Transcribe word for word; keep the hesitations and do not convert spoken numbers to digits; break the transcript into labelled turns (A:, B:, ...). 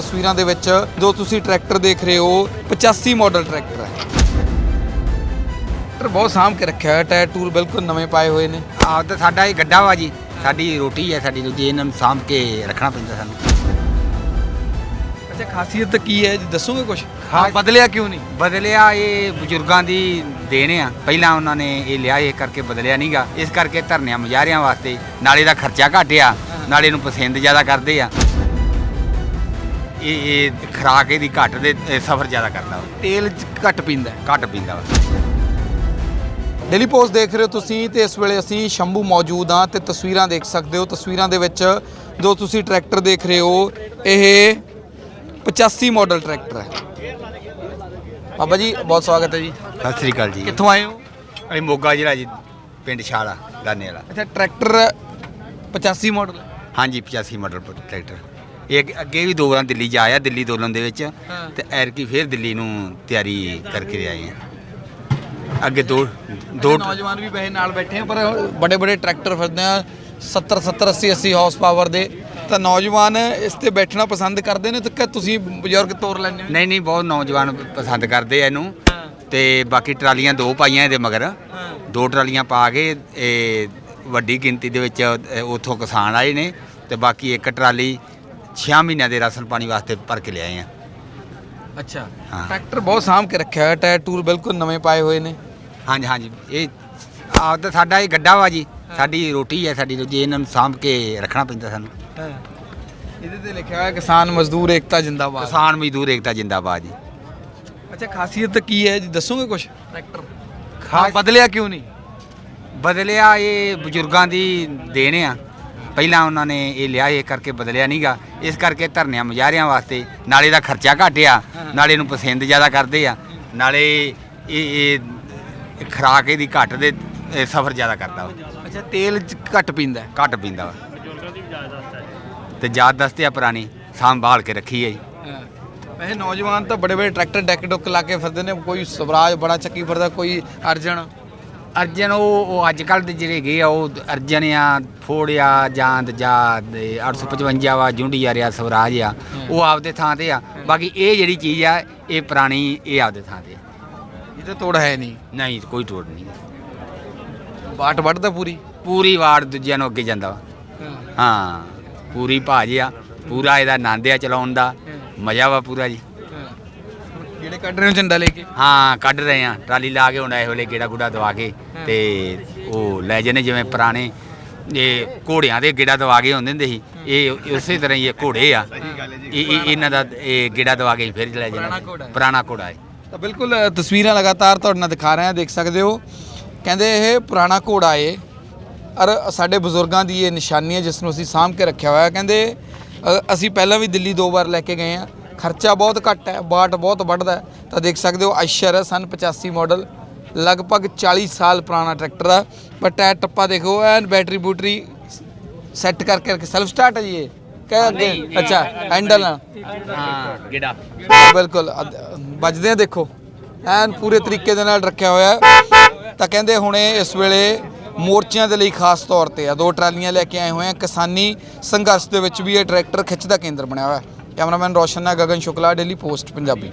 A: ਤਸਵੀਰਾਂ ਦੇ ਵਿੱਚ ਜੋ ਤੁਸੀਂ ਟਰੈਕਟਰ ਦੇਖ ਰਹੇ ਹੋ ਪਚਾਸੀ ਮਾਡਲ ਟਰੈਕਟਰ ਹੈ। ਟਰੈਕਟਰ ਬਹੁਤ ਸਾਂਭ ਕੇ ਰੱਖਿਆ ਹੋਇਆ, ਟਾਇਰ ਟੂਲ ਬਿਲਕੁਲ ਨਵੇਂ ਪਾਏ ਹੋਏ ਨੇ।
B: ਆਹ ਤਾਂ ਸਾਡਾ ਇਹ ਗੱਡਾ ਵਾ ਜੀ, ਸਾਡੀ ਰੋਟੀ ਹੈ ਸਾਡੀ ਦੂਜੀ, ਇਹਨਾਂ ਨੂੰ ਸਾਂਭ ਕੇ ਰੱਖਣਾ ਪੈਂਦਾ ਸਾਨੂੰ।
A: ਅੱਛਾ, ਖਾਸੀਅਤ ਕੀ ਹੈ ਜੀ, ਦੱਸੋਗੇ ਕੁਝ? ਹਾਂ, ਬਦਲਿਆ ਕਿਉਂ ਨਹੀਂ?
B: ਬਦਲਿਆ ਇਹ ਬਜ਼ੁਰਗਾਂ ਦੀ ਦੇਣ ਆ, ਪਹਿਲਾਂ ਉਹਨਾਂ ਨੇ ਇਹ ਲਿਆ, ਇਹ ਕਰਕੇ ਬਦਲਿਆ ਨਹੀਂਗਾ, ਇਸ ਕਰਕੇ ਧਰਨਿਆਂ ਮੁਜ਼ਾਹਰਿਆਂ ਵਾਸਤੇ। ਨਾਲੇ ਦਾ ਖਰਚਾ ਘੱਟ ਆ, ਨਾਲੇ ਨੂੰ ਪਸੰਦ ਜ਼ਿਆਦਾ ਕਰਦੇ ਆ। ਇਹ ਇਹ ਖੁਰਾਕ ਇਹਦੀ ਘੱਟ ਦੇ ਸਫ਼ਰ ਜ਼ਿਆਦਾ ਕਰਦਾ ਵਾ,
A: ਤੇਲ ਘੱਟ ਪੀਂਦਾ,
B: ਘੱਟ ਪੀਂਦਾ ਵਾ।
A: ਡੇਲੀ ਪੋਸਟ ਦੇਖ ਰਹੇ ਹੋ ਤੁਸੀਂ ਤੇ ਇਸ ਵੇਲੇ ਅਸੀਂ ਸ਼ੰਭੂ ਮੌਜੂਦ ਹਾਂ ਤੇ ਤਸਵੀਰਾਂ ਦੇਖ ਸਕਦੇ ਹੋ। ਤਸਵੀਰਾਂ ਦੇ ਵਿੱਚ ਜੋ ਤੁਸੀਂ ਟਰੈਕਟਰ ਦੇਖ ਰਹੇ ਹੋ ਇਹ ਪਚਾਸੀ ਮਾਡਲ ਟਰੈਕਟਰ ਹੈ। ਬਾਬਾ ਜੀ ਬਹੁਤ ਸਵਾਗਤ ਹੈ ਜੀ।
B: ਸਤਿ ਸ੍ਰੀ ਅਕਾਲ ਜੀ।
A: ਕਿੱਥੋਂ ਆਏ ਹੋ?
B: ਅਸੀਂ ਮੋਗਾ ਜ਼ਿਲ੍ਹਾ ਜੀ, ਪਿੰਡ ਛਾਲਾ ਦਾਨੇ ਵਾਲਾ।
A: ਅੱਛਾ, ਟਰੈਕਟਰ ਪਚਾਸੀ ਮਾਡਲ?
B: ਹਾਂਜੀ, ਪਚਾਸੀ ਮਾਡਲ ਟਰੈਕਟਰ। ਇਹ ਅੱਗੇ ਵੀ ਦੋ ਵਾਰ ਦਿੱਲੀ ਜਾ ਆਇਆ, ਦਿੱਲੀ ਦੋਲਨ ਦੇ ਵਿੱਚ, ਤੇ ਐਰਕੀ ਫਿਰ ਦਿੱਲੀ ਨੂੰ ਤਿਆਰੀ ਕਰਕੇ ਆਏ ਆ। ਅੱਗੇ ਦੋ ਦੋ
A: ਨੌਜਵਾਨ ਵੀ ਬਹਿ ਨਾਲ ਬੈਠੇ ਆ, ਪਰ ਬੜੇ ਬੜੇ ਟਰੈਕਟਰ ਫਿਰਦੇ ਆ ਸੱਤਰ ਸੱਤਰ ਅੱਸੀ ਅੱਸੀ ਹਾਰਸ ਪਾਵਰ ਦੇ, ਤਾਂ ਨੌਜਵਾਨ ਇਸ ਤੇ ਬੈਠਣਾ ਪਸੰਦ ਕਰਦੇ ਨੇ। ਤੇ ਤੁਸੀਂ ਬਜ਼ੁਰਗ ਤੋਰ ਲੈਂਦੇ ਹੋ?
B: ਨਹੀਂ ਨਹੀਂ, ਬਹੁਤ ਨੌਜਵਾਨ ਪਸੰਦ ਕਰਦੇ ਆ ਇਹਨੂੰ। ਤੇ ਬਾਕੀ ਟਰਾਲੀਆਂ ਦੋ ਪਾਈਆਂ ਇਹਦੇ ਮਗਰ, ਦੋ ਟਰਾਲੀਆਂ ਪਾ ਕੇ ਇਹ ਵੱਡੀ ਗਿਣਤੀ ਦੇ ਵਿੱਚ ਉੱਥੋਂ ਕਿਸਾਨ ਆਏ ਨੇ, ਤੇ ਬਾਕੀ ਇੱਕ ਟਰਾਲੀ ਛੇ ਮਹੀਨਿਆਂ ਦੇ ਰਾਸ਼ਨ ਪਾਣੀ ਵਾਸਤੇ ਭਰ ਕੇ ਲਿਆਏ ਆ।
A: ਅੱਛਾ, ਟਰੈਕਟਰ ਬਹੁਤ ਸਾਂਭ ਕੇ ਰੱਖਿਆ ਹੋਇਆ, ਟਾਇਰ ਟੂਲ ਬਿਲਕੁਲ ਨਵੇਂ ਪਾਏ ਹੋਏ ਨੇ।
B: ਹਾਂਜੀ ਹਾਂਜੀ, ਇਹ ਆਹ ਤਾਂ ਸਾਡਾ ਇਹ ਗੱਡਾ ਵਾ ਜੀ, ਸਾਡੀ ਰੋਟੀ ਹੈ ਸਾਡੀ ਦੂਜੀ, ਇਹਨਾਂ ਨੂੰ ਸਾਂਭ ਕੇ ਰੱਖਣਾ ਪੈਂਦਾ ਸਾਨੂੰ।
A: ਇਹਦੇ ਤੇ ਲਿਖਿਆ ਹੋਇਆ ਕਿਸਾਨ ਮਜ਼ਦੂਰ ਏਕਤਾ ਜਿੰਦਾਬਾਦ।
B: ਕਿਸਾਨ ਮਜ਼ਦੂਰ ਏਕਤਾ ਜਿੰਦਾਬਾਦ ਜੀ।
A: ਅੱਛਾ, ਖਾਸੀਅਤ ਕੀ ਹੈ ਜੀ, ਦੱਸੋਗੇ ਕੁਝ? ਟਰੈਕਟਰ ਹਾਂ, ਬਦਲਿਆ ਕਿਉਂ ਨਹੀਂ?
B: ਬਦਲਿਆ ਇਹ ਬਜ਼ੁਰਗਾਂ ਦੀ ਦੇਣ ਆ, ਪਹਿਲਾਂ ਉਹਨਾਂ ਨੇ ਇਹ ਲਿਆ, ਇਹ ਕਰਕੇ ਬਦਲਿਆ ਨਹੀਂਗਾ, ਇਸ ਕਰਕੇ ਧਰਨਿਆਂ ਮੁਜ਼ਾਹਰਿਆਂ ਵਾਸਤੇ। ਨਾਲੇ ਦਾ ਖਰਚਾ ਘੱਟ ਆ, ਨਾਲੇ ਨੂੰ ਪਸੰਦ ਜ਼ਿਆਦਾ ਕਰਦੇ ਆ, ਨਾਲੇ ਇਹ ਇਹ ਖੁਰਾਕ ਇਹਦੀ ਘੱਟ ਦੇ ਸਫ਼ਰ ਜ਼ਿਆਦਾ ਕਰਦਾ ਵਾ।
A: ਅੱਛਾ, ਤੇਲ ਘੱਟ ਪੀਂਦਾ,
B: ਘੱਟ ਪੀਂਦਾ ਵਾ, ਤੇ ਯਾਦ ਦੱਸਦੇ ਆ ਪੁਰਾਣੀ ਸੰਭਾਲ ਕੇ ਰੱਖੀ ਹੈ ਜੀ।
A: ਵੈਸੇ ਨੌਜਵਾਨ ਤਾਂ ਬੜੇ ਬੜੇ ਟਰੈਕਟਰ ਡੈਕ ਡੁੱਕ ਲਾ ਕੇ ਫਿਰਦੇ ਨੇ, ਕੋਈ ਸਵਰਾਜ ਬੜਾ ਚੱਕੀ ਫਿਰਦਾ, ਕੋਈ ਅਰਜਨ।
B: ਅਰਜਨ ਉਹ ਉਹ ਅੱਜ ਕੱਲ੍ਹ ਦੇ ਜਿਹੜੇ ਗਏ ਆ, ਉਹ ਅਰਜਨ ਆ, ਫੋੜ ਆ, ਜਾਂਦ ਜਾਂ ਅੱਠ ਸੌ ਪਚਵੰਜਾ ਵਾ, ਜੁੰਡੀ ਆ ਰਿਹਾ, ਸਵਰਾਜ ਆ, ਉਹ ਆਪਦੇ ਥਾਂ ਤੇ ਆ। ਬਾਕੀ ਇਹ ਜਿਹੜੀ ਚੀਜ਼ ਆ ਇਹ ਪੁਰਾਣੀ, ਇਹ ਆਪਦੇ ਥਾਂ ਤੇ।
A: ਇਹਦੇ ਤੋੜ ਹੈ ਨਹੀਂ?
B: ਨਹੀਂ, ਕੋਈ ਤੋੜ ਨਹੀਂ।
A: ਬਾਟ ਵੱਢਦਾ ਪੂਰੀ
B: ਪੂਰੀ ਵਾਰ ਦੂਜਿਆਂ ਨੂੰ ਅੱਗੇ ਜਾਂਦਾ ਵਾ। ਹਾਂ, ਪੂਰੀ ਭਾਜ ਆ, ਪੂਰਾ ਇਹਦਾ ਆਨੰਦ ਆ ਚਲਾਉਣ ਦਾ, ਮਜ਼ਾ ਵਾ ਪੂਰਾ ਜੀ।
A: ਜਿਹੜੇ ਕੱਢ ਰਹੇ ਹੋ ਝੰਡਾ ਲੈ ਕੇ?
B: ਹਾਂ, ਕੱਢ ਰਹੇ ਆ, ਟਰਾਲੀ ਲਾ ਕੇ ਹੁਣ ਇਹ ਵੇਲੇ ਗੇੜਾ ਗੁੜਾ ਦਵਾ ਕੇ ਤੇ ਉਹ ਲੈ ਜਾਂਦੇ, ਜਿਵੇਂ ਪੁਰਾਣੇ ਇਹ ਘੋੜਿਆਂ ਦੇ ਗੇੜਾ ਦਵਾ ਕੇ ਹੁੰਦੇ ਹੁੰਦੇ ਸੀ, ਇਹ ਉਸੇ ਤਰ੍ਹਾਂ ਹੀ ਇਹ ਘੋੜੇ ਆ, ਇਹ ਇਹਨਾਂ ਦਾ ਇਹ ਗੇੜਾ ਦਵਾ ਕੇ ਫਿਰ ਲੈ ਜਾਂਦੇ। ਪੁਰਾਣਾ ਘੋੜਾ ਹੈ।
A: ਤਾਂ ਬਿਲਕੁਲ ਤਸਵੀਰਾਂ ਲਗਾਤਾਰ ਤੁਹਾਡੇ ਨਾਲ ਦਿਖਾ ਰਹੇ ਹਾਂ, ਦੇਖ ਸਕਦੇ ਹੋ। ਕਹਿੰਦੇ ਇਹ ਪੁਰਾਣਾ ਘੋੜਾ ਏ, ਔਰ ਸਾਡੇ ਬਜ਼ੁਰਗਾਂ ਦੀ ਇਹ ਨਿਸ਼ਾਨੀ ਹੈ ਜਿਸ ਨੂੰ ਅਸੀਂ ਸਾਂਭ ਕੇ ਰੱਖਿਆ ਹੋਇਆ। ਕਹਿੰਦੇ ਅਸੀਂ ਪਹਿਲਾਂ ਵੀ ਦਿੱਲੀ ਦੋ ਵਾਰ ਲੈ ਕੇ ਗਏ ਹਾਂ, ਖਰਚਾ ਬਹੁਤ ਘੱਟ ਹੈ, ਬਾਟ ਬਹੁਤ ਵੱਢਦਾ ਹੈ। ਤਾਂ ਦੇਖ ਸਕਦੇ ਹੋ ਆਇਸ਼ਰ ਹੈ, ਸਨ ਪਚਾਸੀ ਮਾਡਲ, ਲਗਭਗ ਚਾਲੀ ਸਾਲ ਪੁਰਾਣਾ ਟਰੈਕਟਰ ਆ। ਪਰ ਟਾਇਰ ਟੱਪਾ ਦੇਖੋ, ਐਨ ਬੈਟਰੀ ਬੂਟਰੀ ਸੈੱਟ ਕਰਕੇ ਰੱਖੇ। ਸੈਲਫ ਸਟਾਰਟ ਹੈ ਜੀ ਇਹ? ਕਹਿ ਅੱਗੇ ਅੱਛਾ, ਹੈਂਡਲ ਨਾਲ?
B: ਹਾਂ, ਗੇੜਾ
A: ਬਿਲਕੁਲ ਵੱਜਦੇ ਆ, ਦੇਖੋ ਐਨ ਪੂਰੇ ਤਰੀਕੇ ਦੇ ਨਾਲ ਰੱਖਿਆ ਹੋਇਆ। ਤਾਂ ਕਹਿੰਦੇ ਹੁਣੇ ਇਸ ਵੇਲੇ ਮੋਰਚਿਆਂ ਦੇ ਲਈ ਖਾਸ ਤੌਰ ਤੇ ਆ, ਦੋ ਟਰਾਲੀਆਂ ਲੈ ਕੇ ਆਏ ਹੋਏ ਆ। ਕਿਸਾਨੀ ਸੰਘਰਸ਼ ਦੇ ਵਿੱਚ ਵੀ ਇਹ ਟਰੈਕਟਰ ਖਿੱਚ ਦਾ ਕੇਂਦਰ ਬਣਿਆ ਹੋਇਆ। ਕੈਮਰਾਮੈਨ ਰੋਸ਼ਨ ਨਾਲ ਗਗਨ ਸ਼ੁਕਲਾ, ਡੇਲੀ ਪੋਸਟ ਪੰਜਾਬੀ।